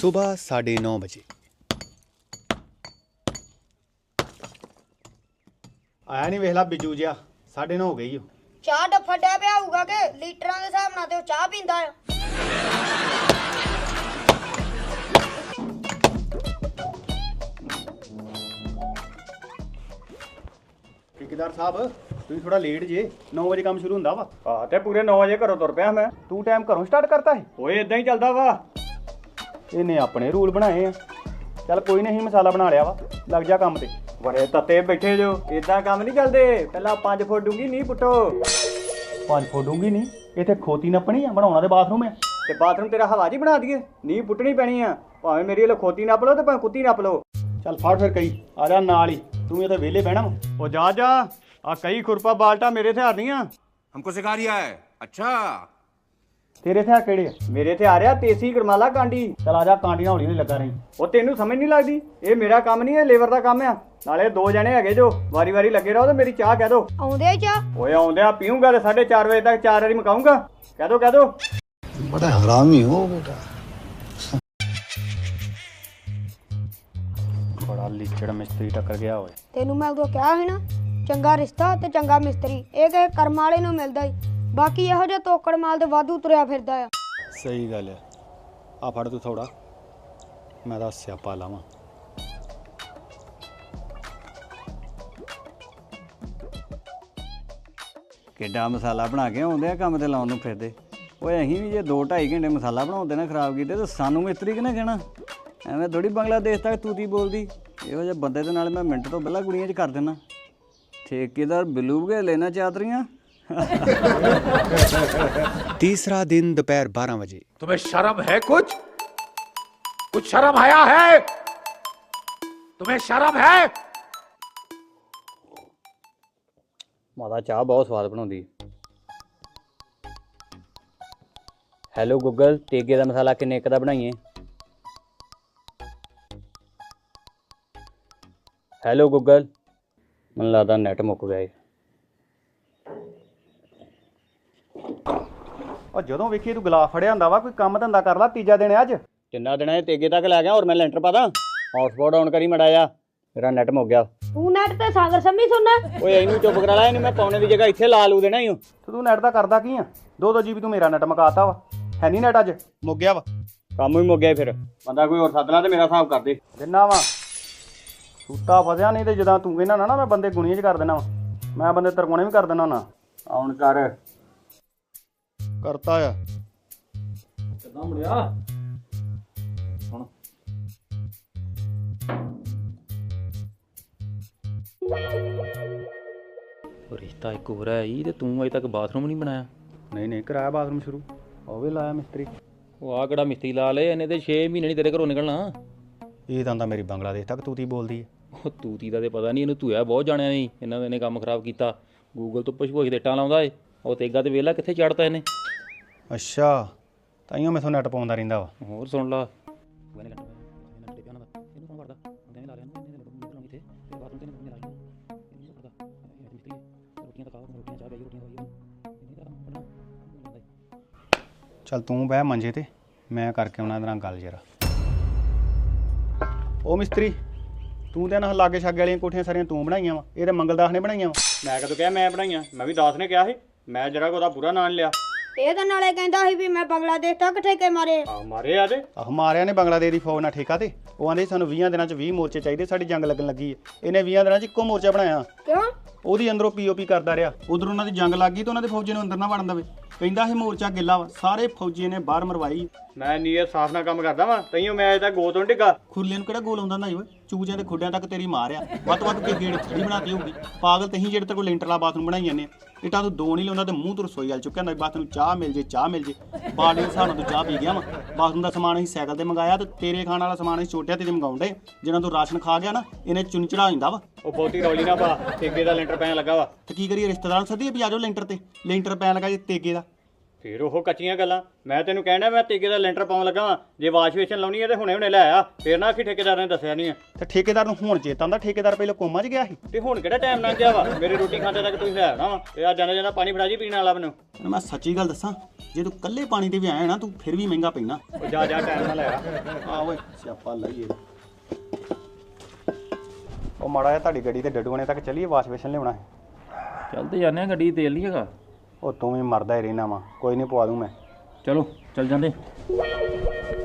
सुबह 9:30 बजे। आया नहीं वेखला बिजू जिहा 9:30 हो गई। ਚਾਹ ਡੱਫਾ ਡਿਆ ਪਿਆ ਹੋਊਗਾ ਕਿ ਲੀਟਰਾਂ ਦੇ ਹਿਸਾਬ ਨਾਲ ਤੇ ਉਹ ਚਾਹ ਪੀਂਦਾ ਆ। ठेकेदार साहब तुम थोड़ा लेट जे 9 बजे काम शुरू ਹੁੰਦਾ ਵਾ। ਹਾਂ ਤੇ ਪੂਰੇ 9 ਵਜੇ ਘਰੋਂ ਤੁਰ ਪਿਆ ਮੈਂ। ਤੂੰ ਟਾਈਮ ਘਰੋਂ ਸਟਾਰਟ ਕਰਤਾ ਹੈ? ਓਏ ਇਦਾਂ ਹੀ ਚੱਲਦਾ ਵਾ। ਇਹਨੇ ਆਪਣੇ ਰੂਲ ਬਣਾਏ ਆ। ਚੱਲ ਕੋਈ ਨਹੀਂ ਮਸਾਲਾ ਬਣਾ ਲਿਆ ਵਾ, ਲੱਗ ਜਾ ਕੰਮ ਤੇ। ਬੜੇ ਤੱਤੇ ਬੈਠੇ ਜੋ, ਇਦਾਂ ਕੰਮ ਨਹੀਂ ਚੱਲਦੇ। ਪਹਿਲਾਂ 5 ਫੁੱਟ ਡੂੰਗੀ ਨਹੀਂ ਪੁੱਟੋ। 5 ਫੁੱਟ ਡੂੰਗੀ ਨਹੀਂ, ਇੱਥੇ ਖੋਤੀ ਨੱਪਣੀ ਆ, ਬਣਾਉਣਾ ਤੇ ਬਾਥਰੂਮ ਆ। ਤੇ ਬਾਥਰੂਮ ਤੇਰਾ ਹਵਾ ਜੀ ਬਣਾ ਦਈਏ, ਨੀ ਪੁੱਟਣੀ ਪੈਣੀ ਆ। ਭਾਵੇਂ ਮੇਰੀ ਵੱਲੋਂ ਖੋਤੀ ਨੱਪ ਲਓ ਤੇ ਭਾਵੇਂ ਕੁੱਤੀ ਨੱਪ ਲਓ। ਚੱਲ ਫੜ ਫਿਰ ਕਈ ਆ ਜਾ ਨਾਲ ਹੀ, ਤੂੰ ਇੱਥੇ ਵਿਹਲੇ ਬਹਿਣਾ ਵਾ। ਉਹ ਜਾ ਜਾ, ਆ ਕਈ ਖੁਰਪਾ ਬਾਲਟਾ ਮੇਰੇ ਹਥਿਆਰ ਨਹੀਂ ਆ। हमको सिखा रिया है। अच्छा ਤੇਰੇ ਹਥਿਆਰ ਕਿਹੜੇ ਆ? ਮੇਰੇ ਹਥਿਆਰ ਆ ਤੇਸੀ ਗਰਮਾਲਾ ਕਾਂਡੀ। ਚੱਲ ਆ ਜਾ, ਕਾਂਟੀਆਂ ਹੌਲੀ ਨਹੀਂ ਲੱਗਾ ਰਹੀ। ਉਹ ਤੈਨੂੰ ਸਮਝ ਨਹੀਂ ਲੱਗਦੀ, ਇਹ ਮੇਰਾ ਕੰਮ ਨਹੀਂ, ਇਹ ਲੇਬਰ ਦਾ ਕੰਮ ਆ। ਨਾਲੇ 2 ਜਣੇ ਹੈਗੇ ਜੋ ਵਾਰੀ ਵਾਰੀ ਲੱਗੇ ਰਹੋ ਤੇ ਮੇਰੀ ਚਾਹ ਕਹਿ ਦੋ। ਆਉਂਦੇ ਆ ਚਾਹ? ਓਏ ਆਉਂਦਿਆਂ ਪੀਊਂਗਾ ਤੇ 4:30 ਵਜੇ ਤੱਕ 4 ਵਾਰੀ ਮਕਾਉਂਗਾ। ਕਹਿ ਦੋ ਕਹਿ ਦੋ। बड़ा हरामी हो बेटा। ਬੜਾ ਲੀਚੜ ਮਿਸਤਰੀ ਟੱਕਰ ਗਿਆ ਹੋਏ। ਤੈਨੂੰ ਮੈਂ ਉਦੋਂ ਕਿਹਾ ਸੀ ਨਾ, ਚੰਗਾ ਰਿਸ਼ਤਾ ਤੇ ਚੰਗਾ ਮਿਸਤਰੀ ਇਹ ਕਿਸੇ ਕਰਮ ਵਾਲੇ ਨੂੰ ਮਿਲਦਾ ਹੀ। ਬਾਕੀ ਇਹੋ ਜਿਹਾ ਤੋਕੜ ਮਾਲ ਤੇ ਵਾਧੂ ਤੁਰਿਆ ਫਿਰਦਾ ਆ। ਸਹੀ ਗੱਲ ਆ। ਆ ਫੜ ਤੂੰ ਥੋੜਾ, ਮੈਂ ਤਾਂ ਸਿਆਪਾ ਲਾਵਾਂ। ਕਿੱਡਾ ਮਸਾਲਾ ਬਣਾ ਕੇ ਆਉਂਦੇ ਆ ਕੰਮ ਤੇ ਲਾਉਣ ਨੂੰ ਫਿਰਦੇ। ਓਏ ਅਸੀਂ ਵੀ ਜੇ 2-2.5 ਘੰਟੇ ਮਸਾਲਾ ਬਣਾਉਂਦੇ ਨਾ ਖਰਾਬ ਕੀਤੇ ਤਾਂ ਸਾਨੂੰ ਮਿਸਤਰੀ ਕਿਹਨੇ ਕਹਿਣਾ? ਐਵੇਂ ਥੋੜੀ ਬੰਗਲਾਦੇਸ਼ ਤੱਕ ਤੂਤੀ ਬੋਲਦੀ। ਇਹੋ ਜਿਹੇ ਬੰਦੇ ਦੇ ਨਾਲ ਮੈਂ ਮਿੰਟ ਤੋਂ ਪਹਿਲਾਂ ਗੁੜੀਆਂ 'ਚ ਕਰ ਦਿੰਦਾ। ਠੇਕੇਦਾਰ ਬਿੱਲੂ ਬਗੇ ਲੈਣਾ ਚਾਦਰੀਆਂ। तीसरा दिन दोपहर 12 बजे। तुम्हें शर्म है? कुछ शर्म आया है? तुम्हें शर्म है? ਮਾਤਾ ਚਾਹ ਬਹੁਤ ਸਵਾਦ ਬਣਾਉਂਦੀ। ਹੈਲੋ ਗੂਗਲ, ਤੇਗੇ ਦਾ ਮਸਾਲਾ ਕਿੰਨੇ ਇੱਕ ਦਾ ਬਣਾਈਏ? ਹੈਲੋ ਗੂਗਲ, ਮੈਨੂੰ ਲੱਗਦਾ ਨੈਟ ਮੁੱਕ ਗਿਆ ਏ। ਉਹ ਜਦੋਂ ਵੇਖੀ ਤੂੰ ਗਲਾਸ ਫੜਿਆ ਹੁੰਦਾ ਵਾ, ਕੋਈ ਕੰਮ ਧੰਦਾ ਕਰ ਲਾ। ਤੀਜਾ ਦਿਨ ਅੱਜ ਕਿੰਨਾ ਦਿਨਾਂ ਦੇ ਤੇਗੇ ਤੱਕ ਲੈ ਗਿਆ। ਹੋਰ ਮੈਂ ਲੈਂਟਰ ਪਾਦਾ। ਹੌਟਸਪੌਟ ਆਨ ਕਰੀ ਮੜਾ ਜਾ, ਮੇਰਾ ਨੈਟ ਮੁੱਕ ਗਿਆ। ਤੂੰ ਨੈਟ ਤੇ ਸਾਗਰ ਸੰਮੀ ਸੁਣਨਾ? ਓਏ ਇਹਨੂੰ ਚੁੱਪ ਕਰਾ ਲੈ, ਇਹਨੂੰ ਮੈਂ ਪਾਉਣੇ ਦੀ ਜਗ੍ਹਾ ਇੱਥੇ ਲਾ ਲੂ ਦੇਣਾ ਹੀ। ਤੇ ਤੂੰ ਨੈਟ ਦਾ ਕਰਦਾ ਕੀ ਆ? 2-2 GB ਤੂੰ ਮੇਰਾ ਨੈਟ ਮਕਾਤਾ ਵਾ। ਹੈ ਨਹੀਂ ਨੈਟ ਅੱਜ, ਮੁੱਕ ਗਿਆ ਵਾ। ਕੰਮ ਹੀ ਮੁੱਕ ਗਿਆ ਫਿਰ। ਬੰਦਾ ਕੋਈ ਹੋਰ ਸੱਦ ਲਾ ਤੇ ਮੇਰਾ ਹਿਸਾਬ ਕਰ ਦੇ। ਦਿਨਾ ਵਾ ਸੂਤਾ ਫਸਿਆ, ਨਹੀਂ ਤੇ ਜਦੋਂ ਤੂੰ ਕਹਿੰਦਾ ਨਾ ਮੈਂ ਬੰਦੇ ਗੁਣੀਆਂ 'ਚ ਕਰ ਦੇਣਾ ਵਾ, ਮੈਂ ਬੰਦੇ ਤਰਕੋਣੇ ਵੀ ਕਰ ਦੇਣਾ ਨਾ। ਆਉਣ ਕਰ ਕਰਤਾ ਆ। ਕਿੱਦਾਂ ਮੁੜਿਆ? ਰਿਸ਼ਤਾ ਇੱਕ ਹੋਰ ਹੈ ਜੀ, ਤੇ ਤੂੰ ਅਜੇ ਤੱਕ ਬਾਥਰੂਮ ਨਹੀਂ ਬਣਾਇਆ। ਨਹੀਂ ਕਰਾਇਆ ਬਾਥਰੂਮ ਸ਼ੁਰੂ, ਉਹ ਵੀ ਲਾਇਆ ਮਿਸਤਰੀ। ਉਹ ਆ ਕਿਹੜਾ ਮਿਸਤਰੀ ਲਾ ਲਏ ਇਹਨੇ, ਤੇ 6 ਮਹੀਨੇ ਨਹੀਂ ਤੇਰੇ ਘਰੋਂ ਨਿਕਲਣਾ। ਇਹ ਤਾਂ ਮੇਰੀ ਬੰਗਲਾਦੇਸ਼ ਤੱਕ ਤੂਤੀ ਬੋਲਦੀ ਹੈ। ਉਹ ਤੂਤੀ ਦਾ ਤੇ ਪਤਾ ਨਹੀਂ, ਇਹਨੂੰ ਧੂਆ ਬਹੁਤ ਜਾਣਿਆ ਨਹੀਂ। ਇਹਨਾਂ ਨੇ ਕੰਮ ਖਰਾਬ ਕੀਤਾ। ਗੂਗਲ ਤੋਂ ਪੁੱਛ ਦੇ ਇੱਟਾਂ ਲਾਉਂਦਾ ਏ। ਉਹ ਤੇਗਾ ਤੇ ਵੇਲਾ ਕਿੱਥੇ ਚੜਤਾ ਇਹਨੇ। ਅੱਛਾ, ਤਾਈਓ ਮੈਥੋਂ ਨੈਟ ਪਾਉਂਦਾ ਰਹਿੰਦਾ ਵਾ। ਹੋਰ ਸੁਣ ਲਾ। ਚੱਲ ਤੂੰ ਬਹਿ ਮੰਜੇ ਤੇ, ਮੈਂ ਕਰਕੇ ਆਉਣਾ ਇਹਦੇ ਨਾਲ ਗੱਲ ਜਰਾ। ਉਹ ਮਿਸਤਰੀ, ਤੂੰ ਤੇ ਨਾ ਲਾਗੇ ਛਾਗੇ ਵਾਲੀਆਂ ਕੋਠੀਆਂ ਸਾਰੀਆਂ ਤੂੰ ਬਣਾਈਆਂ ਵਾ? ਇਹ ਤੇ ਮੰਗਲਦਾਸ ਨੇ ਬਣਾਈਆਂ ਵਾ। ਮੈਂ ਕਦੋਂ ਕਿਹਾ ਮੈਂ ਬਣਾਈਆਂ? ਮੈਂ ਵੀ ਦਾਸ ਨੇ ਕਿਹਾ ਸੀ। ਮੈਂ ਜਰਾ ਉਹਦਾ ਪੂਰਾ ਨਾਂ ਲਿਆ। ਇਹ ਤਾਂ ਨਾਲੇ ਕਹਿੰਦਾ ਸੀ ਵੀ ਮੈਂ ਬੰਗਲਾਦੇਸ਼ ਤੱਕ ਠੇਕੇ ਮਾਰੇ। ਆ ਮਾਰੇ ਆ ਤੇ ਆਹ ਮਾਰਿਆ ਨੇ ਬੰਗਲਾਦੇਸ਼ ਦੀ ਫੌਜ ਨਾਲ ਠੇਕਾ ਤੇ। ਉਹ ਆਂਦੇ ਸਾਨੂੰ 20 ਦਿਨਾਂ 'ਚ 20 ਮੋਰਚੇ ਚਾਹੀਦੇ, ਸਾਡੀ ਜੰਗ ਲੱਗਣ ਲੱਗੀ ਹੈ। ਇਹਨੇ 20 ਦਿਨਾਂ 'ਚ ਇੱਕੋ ਮੋਰਚਾ ਬਣਾਇਆ। ਕਿਉਂ? ਉਹਦੀ ਅੰਦਰੋਂ POP ਕਰਦਾ ਰਿਹਾ। ਉਧਰ ਉਹਨਾਂ ਦੀ ਜੰਗ ਲੱਗ ਗਈ ਤੇ ਉਹਨਾਂ ਦੇ ਫੌਜੀ ਨੂੰ ਅੰਦਰ ਨਾ ਵੜਨ ਦੇਵੇ। ਕਹਿੰਦਾ ਇਹ ਮੋਰਚਾ ਗਿੱਲਾ ਵਾ, ਸਾਰੇ ਫੌਜੀ ਨੇ ਬਾਹਰ ਮਰਵਾਈ। ਮੈਂ ਨੀਅਤ ਸਾਫ਼ ਨਾਲ ਕੰਮ ਕਰਦਾ ਵਾਂ, ਤਈਓ ਮੈਂ ਅਜੇ ਤੱਕ ਗੋ ਤੋਂ ਡਿੱਗਾ। ਖੁਰਲੇ ਨੂੰ ਕਿਹੜਾ ਗੋਲ ਆਉਂਦਾ ਹੁੰਦਾ ਈ ਓਏ? ਚੂਜਿਆਂ ਦੇ ਖੁੱਡਿਆਂ ਤੱਕ ਤੇਰੀ ਮਾਰ ਆ। ਵੱਧ ਕੇ ਗੇੜ ਖੜੀ ਬਣਾਤੀ ਹੋਊਗੀ। ਪਾਗਲ ਤਹੀਂ ਜਿਹੜੇ ਤੇਰੇ ਕੋਲ ਲੈਂਟਰ ਵਾਲਾ ਬਾਥਰੂਮ ਬਣਾਈ ਜਾਂਦੇ ਆ। ਇੱਟਾਂ ਤੂੰ 2 ਨਹੀਂ ਲਾਉਂਦਾ ਤੇ ਮੂੰਹ ਤੋਂ ਰਸੋਈ ਵੱਲ ਚੁੱਕਿਆ ਹੁੰਦਾ। ਬਾਤ ਨੂੰ ਚਾਹ ਮਿਲ ਜੇ, ਚਾਹ ਮਿਲ ਜੇ। ਬਾਲਟੀ ਦੇ ਹਿਸਾਬ ਨਾਲ ਤੂੰ ਚਾਹ ਪੀ ਗਿਆ ਵਾ। ਬਾਥਰੂਮ ਦਾ ਸਮਾਨ ਅਸੀਂ ਸਾਈਕਲ ਤੇ ਮੰਗਾਇਆ ਤੇ ਤੇਰੇ ਖਾਣ ਵਾਲਾ ਸਮਾਨ ਅਸੀਂ ਛੋਟਿਆਂ ਤੇ ਮੰਗਾਉਂਦੇ। ਜਿਹਨਾਂ ਤੂੰ ਰਾਸ਼ਨ ਖਾ ਗਿਆ ਨਾ, ਇਹਨੇ ਚੁੰਨ ਚੜਾ ਜਾਂਦਾ ਵਾ। ਉਹ ਬਹੁਤੀ ਰੌਲੀ ਨਾ ਪਾ, ਤੇਗੇ ਦਾ ਲੈਂਟਰ ਪੈਣ ਲੱਗਾ ਵਾ। ਤੇ ਕੀ ਕਰੀਏ? ਰਿਸ਼ਤੇਦਾਰਾਂ ਨੂੰ ਸੱਦੀਏ ਵੀ ਆ ਜਾਓ ਲੈਂਟਰ ਤੇ। ਲੈਂਟਰ ਪੈਣ ਲੱਗਾ ਜੇ ਤੇਗੇ ਦਾ। ਫੇਰ ਉਹ ਕੱਚੀਆਂ ਗੱਲਾਂ। ਮੈਂ ਤੈਨੂੰ ਕਹਿਣਾ ਮੈਂ ਤੀਕੇ ਦਾ ਲੈਂਟਰ ਪਾਉਣ ਲੱਗਾ ਵਾਂ, ਜੇ ਵਾਸ਼ ਵੇਸ਼ਨ ਲਾਉਣੀ ਹੈ ਤੇ ਹੁਣੇ ਲੈ ਆ। ਫੇਰ ਨਾ ਆਖੀ ਠੇਕੇਦਾਰ ਨੇ ਦੱਸਿਆ ਨਹੀਂ ਆ। ਤੇ ਠੇਕੇਦਾਰ ਨੂੰ ਹੁਣ ਚੇਤਾ ਆਉਂਦਾ, ਠੇਕੇਦਾਰ ਪਹਿਲਾਂ ਕੋਮਾ 'ਚ ਗਿਆ ਸੀ। ਤੇ ਹੁਣ ਕਿਹੜਾ ਟਾਈਮ ਲੰਘ ਗਿਆ ਵਾ? ਮੇਰੀ ਰੋਟੀ ਖਾਂਦੇ ਤੱਕ ਤੁਸੀਂ ਲੈ ਆਉਣਾ ਵਾ। ਤੇ ਆ ਜਾਂਦਾ ਜਾਂਦਾ ਪਾਣੀ ਫੜਾ ਜੀ ਪੀਣ ਵਾਲਾ ਮੈਨੂੰ। ਤੈਨੂੰ ਮੈਂ ਸੱਚੀ ਗੱਲ ਦੱਸਾਂ, ਜੇ ਤੂੰ ਕੱਲੇ ਪਾਣੀ ਤੇ ਵੀ ਆਇਆ ਨਾ, ਤੂੰ ਫਿਰ ਵੀ ਮਹਿੰਗਾ ਪੈਣਾ। ਉਹ ਜਾ ਟਾਈਮ ਨਾਲ ਲੈ ਆ। ਆ ਓਏ ਸਿਆਪਾ ਲਈਏ। ਉਹ ਮਾੜਾ ਜਿਹਾ ਤੁਹਾਡੀ ਗੱਡੀ ਤੇ ਡੱਡੂਆਣੇ ਤੱਕ ਚੱਲੀਏ, ਵਾਸ਼ ਵੇਸ਼ਨ ਲਿਆਉਣਾ ਹੈ। ਚੱਲ ਤੇ ਜਾਂਦੇ ਆ, ਗੱਡੀ ਤੇਲ ਨਹੀਂ ਹੈਗਾ। ਉਹ ਤੂੰ ਵੀ ਮਰਦਾ ਹੀ ਰਹਿਣਾ ਵਾ, ਕੋਈ ਨਹੀਂ ਪਵਾ ਦੂੰ ਮੈਂ। ਚਲੋ ਚੱਲ ਜਾਂਦੇ।